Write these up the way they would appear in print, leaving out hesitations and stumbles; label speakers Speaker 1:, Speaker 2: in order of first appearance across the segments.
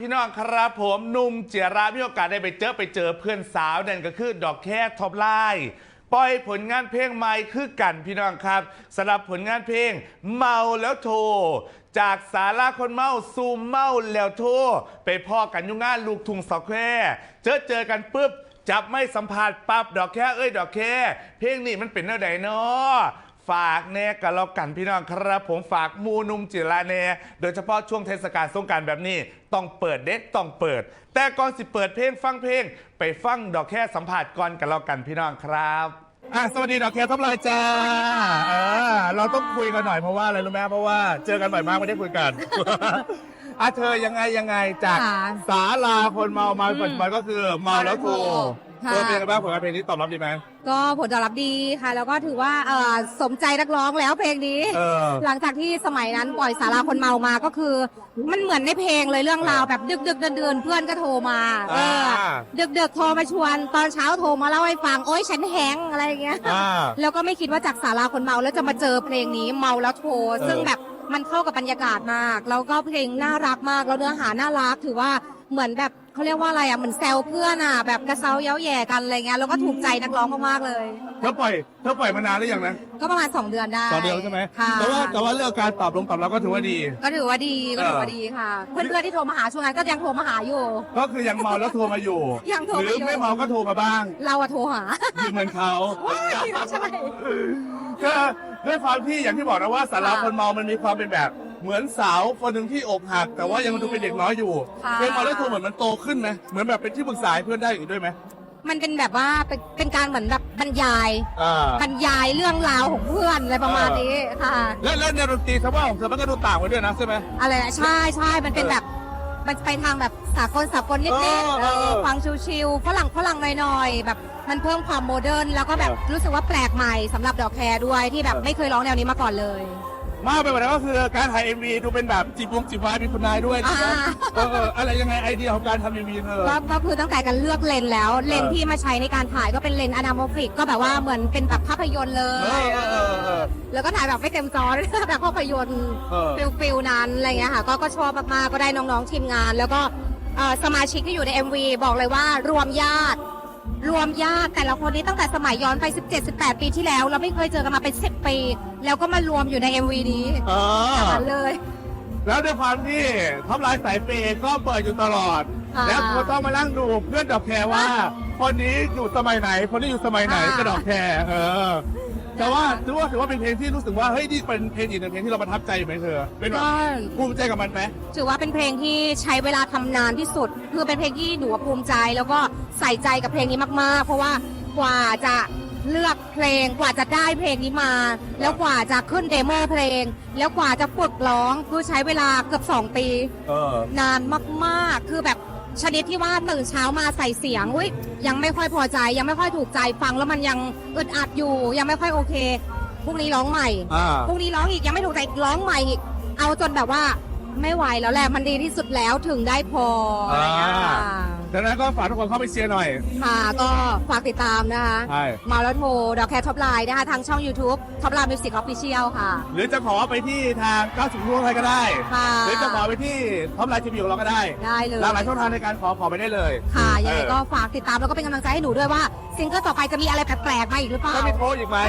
Speaker 1: พี่น้องครับผมหนุ่มเจียรามีโอกาสได้ไปเจอเพื่อนสาวนั่นก็คือดอกแค่ท็อปไลน์ปล่อยผลงานเพลงใหม่คือกันพี่น้องครับสำหรับผลงานเพลงเมาแล้วโทรจากสาราคนเมาซูมเมาแล้วโทรไปพ่อกันยุ่งงานลูกทุ่งสแควร์เจอกันปุ๊บจับไม่สัมผัสปั๊บดอกแค่ดอกแค่เพลงนี้มันเป็นแนวใดเนาะฝากแน่กันแล้วกันพี่น้องครับผมฝากมูนุ่มจิราแน่โดยเฉพาะช่วงเทศกาลสงกรานต์แบบนี้ต้องเปิดเด็ดต้องเปิดแต่ก่อนสิเปิดเพลงฟังเพลงไปฟังดอกแค่สัมผัสก่อนกันแล้วกันพี่น้องครับสวัสดีดอกแค่ท็อปไลน์จ้าเราต้องคุยกันหน่อยเพราะว่าอะไรรู้ไหมเพราะว่าเจอกันบ่อยมากไม่ได้คุยกันเธอยังไงจากศาลาคนเมาปัจจุบันก็คือเมาแล้วโทรเป็นไงบ้างผลงานเพลงนี้ตอบรับดีไหม
Speaker 2: ก็ผลตอบรับดีค่ะแล้วก็ถือว่าสมใจนักร้องแล้วเพลงนี้หลังจากที่สมัยนั้นปล่อยสาราคนเมามาก็คือมันเหมือนในเพลงเลยเรื่องราวแบบดึกเดือนเพื่อนก็โทรมาดึกโทรมาชวนตอนเช้าโทรมาเล่าให้ฟังโอ๊ยฉันแฮงอะไรอย่างเงี้ยแล้วก็ไม่คิดว่าจากสาราคนเมาแล้วจะมาเจอเพลงนี้เมาแล้วโทรซึ่งแบบมันเข้ากับบรรยากาศมากแล้วก็เพลงน่ารักมากแล้วเนื้อหาน่ารักถือว่าเหมือนแบบเขาเรียกว่าอะไรเหมือนแซวเพื่อนแบบกระเซาเย้าแย่กันอะไรเงี้ยแล้วก็ถูกใจนักร้องมากๆเลย
Speaker 1: เธอปล่อยมานานหรือยังนะ
Speaker 2: ก็ประมาณ2 เดือนได้
Speaker 1: 2 เดือนใช่ไหมแต่ว่าเรื่องการตอบรับก็ถือว่าดี
Speaker 2: ค่ะเพื่อนๆที่โทรมาหาช่วงนั้นก็ยังโทรมาหาอยู่
Speaker 1: ก็คือยังเมาแล้วโทรมาอยู่
Speaker 2: ยังโทร
Speaker 1: หรือไม่เมาก็โทรมาบ้าง
Speaker 2: เราโทรหา
Speaker 1: เหมือนเขา
Speaker 2: ใช่
Speaker 1: ก็ด้วยความที่อย่างที่บอกนะว่าสาราคนเมามันมีความเป็นแบบเหมือนสาวคนหนึ่งที่อกหักแต่ว่ายังดูเป็นเด็กน้อยอยู่เพลงเมาแล้วโทรเหมือนมันโตขึ้นไหมเหมือนแบบเป็นที่ปรึกษาเพื่อนได้อีกด้วยไหม
Speaker 2: มันเป็นแบบว่าเป็นการเหมือนแบบบรรยายเรื่องราวของเพื่อนอะไรประมาณนี้ค่ะ
Speaker 1: แล้วในดนตรีสภาพของเธอมันก็ดูต่างไปด้วยนะใช่ไหม
Speaker 2: อะไรใช่มันเป็นแบบมันไปทางแบบสากลนิดๆฟังชิวๆฝรั่งหน่อยๆแบบมันเพิ่มความโมเดิร์นแล้วก็แบบรู้สึกว่าแปลกใหม่สำหรับดอกแคร์ด้วยที่แบบไม่เคยร้องแนวนี้มาก่อนเลย
Speaker 1: มากไปกว่านั้นก็คือการถ่าย MV ดูเป็นแบบจีบวายมีคุณนายด้วยอะไรยังไงไอเดียของการทำ MV เธอ
Speaker 2: ก็คือตั้งแต่การเลือกเลนแล้วเลนที่มาใช้ในการถ่ายก็เป็นเลนอนาโมฟิกก็แบบว่าเหมือนเป็นแบบภาพยนตร์เลยแล้วก็ถ่ายแบบไม่เต็มจอแบบภาพยนตร์ฟิลนั้นอะไรเงี้ยค่ะก็ชอบมากๆก็ได้น้องๆทีมงานแล้วก็สมาชิกที่อยู่ใน MV บอกเลยว่ารวมญาติแต่ละคนนี้ตั้งแต่สมัยย้อนไป 17-18 ปีที่แล้วเราไม่เคยเจอกันมาเป็น10 ปีแล้วก็มารวมอยู่ใน MV นี้เลย
Speaker 1: แล้วด้วยความที่ท็อปไลน์สายเปย์ก็เปิดอยู่ตลอดแล้วก็ต้องมานั่งดูเพื่อนดอกแคร์ว่าคนนี้อยู่สมัยไหนคนนี้อยู่สมัยไหนก็ดอกแคร์แต่ว่าถือว่าเป็นเพลงที่รู้สึกว่าเฮ้ยนี่เป็นเพลงอีกหนึ่งเพลงที่เราประทับใจไหมเธอเป็นแบบภูมิใจกับมันไหม
Speaker 2: ถือว่าเป็นเพลงที่ใช้เวลาทำนานที่สุดคือเป็นเพลงที่หนูภูมิใจแล้วก็ใส่ใจกับเพลงนี้มากๆเพราะว่ากว่าจะเลือกเพลงกว่าจะได้เพลงนี้มาแล้วกว่าจะขึ้นเดโมเพลงแล้วกว่าจะฝึกร้องคือใช้เวลาเกือบ2 ปีนานมากๆคือแบบชนิดที่ว่าตื่นเช้ามาใส่เสียงยังไม่ค่อยพอใจยังไม่ค่อยถูกใจฟังแล้วมันยังอึดอัดอยู่ยังไม่ค่อยโอเคพรุ่งนี้ร้องใหม่พรุ่งนี้ร้องอีกยังไม่ถูกใจร้องใหม่อีกเอาจนแบบว่าไม่ไหวแล้วแหละมันดีที่สุดแล้วถึงได้พออะไรอย่างเงี้ย
Speaker 1: ดังนั้นก็ฝากทุกคนเข้าไปเชียร์หน่อย
Speaker 2: ค่ะก็ฝากติดตามนะคะมาแล้วโทรดอกแคร์ท็อปไลน์นะคะทางช่อง YouTube ท็อปไลน์มิวสิกออฟฟิเชียลค่ะ
Speaker 1: หรือจะขอไปที่ทาง90รุ่งไทยก็ได้หรือจะขอไปที่ท็อปไลน์ทีวีของเราก็ได้
Speaker 2: เลย
Speaker 1: หลากหลายช่องทางในการขอไปได้เลย
Speaker 2: ค่ะยังไงก็ฝากติดตามแล้วก็เป็นกำลังใจให้หนูด้วยว่าซิงเกิลต่อไปจะมีอะไรแปลกๆมาอีกหรือเปล่า
Speaker 1: จะมีโพสอีกไหม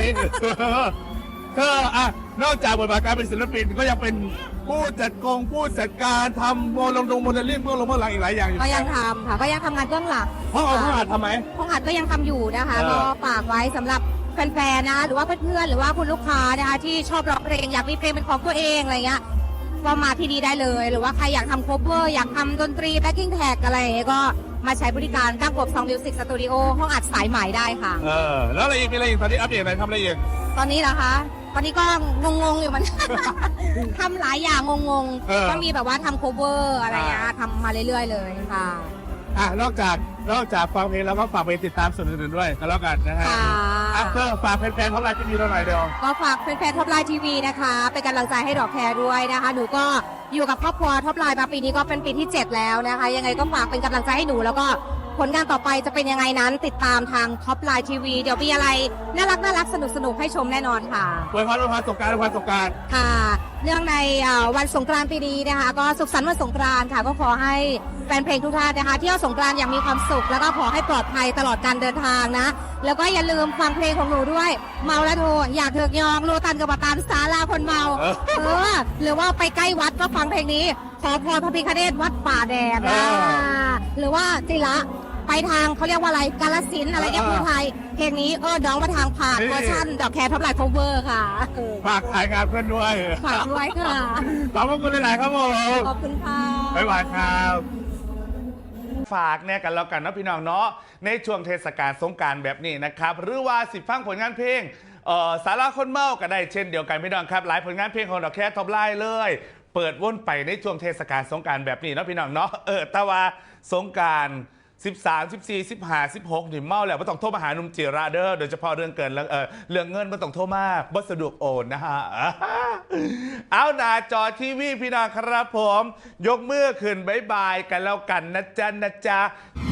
Speaker 1: นอกจากบทบาทการเป็นศิลปินก็ยังเป็นผู้จัดการทำโมเดลลิ่งเบื้องหลังอีกหลายอย่างอยู่
Speaker 2: ก็ยังทำค่ะก็ยังทำงานเบื้องหลัง
Speaker 1: ห้องอัดทำไหม
Speaker 2: ห้องอัดก็ยังทำอยู่นะคะก็ฝากไว้สำหรับแฟนๆนะหรือว่าเพื่อนๆหรือว่าคุณลูกค้านะคะที่ชอบร้องเพลงอยากมีเพลงเป็นของตัวเองอะไรเงี้ยก็มาที่นี่ได้เลยหรือว่าใครอยากทำโคเวอร์อยากทำดนตรีแบ็คกิ้งแท็กอะไรก็มาใช้บริการตั้งกบซองมิวสิกสตูดิโอห้องอัดสายใหม่ได้ค่ะ
Speaker 1: แล้วอะไรอีกมีอะไรอีกตอนนี้อัปเดตอะไรทำอะไรอีก
Speaker 2: ตอนนี้เหรอคะตอนนี้ก็งงอยู่มัน ทำหลายอย่างงงก็มีแบบว่าทำโคเวอร์อะไรเงี้ยทำมาเรื่อยๆเลยค่ะ
Speaker 1: นอกจากฟังเพลงแล้วก็ฝากไปติดตามส่วนอื่นๆด้วยก็แล้วกันนะฮะก็ฝากแฟนๆท็อปไลน์ทีวีเราหน่อยเดียว
Speaker 2: ก็ฝากแฟนๆท็อปไลน์ทีวีนะคะเป็นกำลังใจให้ดอกแคร์ด้วยนะคะหนูก็อยู่กับครอบครัวท็อปไลน์มาปีนี้ก็เป็นปีที่7แล้วนะคะยังไงก็ฝากเป็นกำลังใจให้หนูแล้วก็ผลงานต่อไปจะเป็นยังไงนั้นติดตามทางท็อปไลน์ทีวีเดี๋ยวมีอะไรน่ารักสนุกให้ชมแน่นอนค่ะ
Speaker 1: อวยพรสงกรานต์
Speaker 2: ค่ะเนื่องในวันสงกรานต์ปีนี้นะคะก็สุขสันต์วันสงกรานต์ค่ะก็ขอให้แฟนเพลงทุกท่านนะคะเที่ยวสงกรานต์อย่างมีความสุขแล้วก็ขอให้ปลอดภัยตลอดการเดินทางนะแล้วก็อย่าลืมฟังเพลงของหนูด้วยเมาและโทอยากเถิกยองโลตันกับปตานสาลาคนเมาหรือว่าไปใกล้วัดก็ฟังเพลงนี้ขอพรพระพิฆเนศวัดป่าแดดนะหรือว่าจิระไปทางเขาเรียกว่าอะไรกาฬสินธุ์อะไรเงี้ยพูดไทยเพลงนี้น้องมาทางผ่านเวอร์ชันดอกแคร์ท็อปไลน์ cover ค่ะ
Speaker 3: ฝากขายงานเพื่อนด้วย
Speaker 2: ฝากด้วยค่ะ
Speaker 3: ขอบคุณหลายๆครับผม
Speaker 2: ขอบคุณค่ะ
Speaker 3: บ๊ายบายครับ
Speaker 1: ฝากเนี่ยกันแล้วกันนะพี่น้องเนาะในช่วงเทศกาลสงกรานต์แบบนี้นะครับหรือว่าสิฟังผลงานเพลงสาระคนเมาก็ได้เช่นเดียวกันพี่น้องครับหลายผลงานเพลงของดอกแคร์ท็อปไลน์เลยเปิดวนไปในช่วงเทศกาลสงกรานต์แบบนี้เนาะพี่น้องเนาะแต่ว่าสงกรานต์13 14 15 16นี่เมาแล้วไม่ต้องโทรมาหาหนุ่มจิราเด้อโดยเฉพาะเรื่องเกินเรื่องเงินไม่ต้องโทรมาบ่สะดวกโอนนะฮะ เอาหน้าจอทีวีพี่น้องครับผมยกมือขึ้นบายบายกันแล้วกันนะจ๊ะ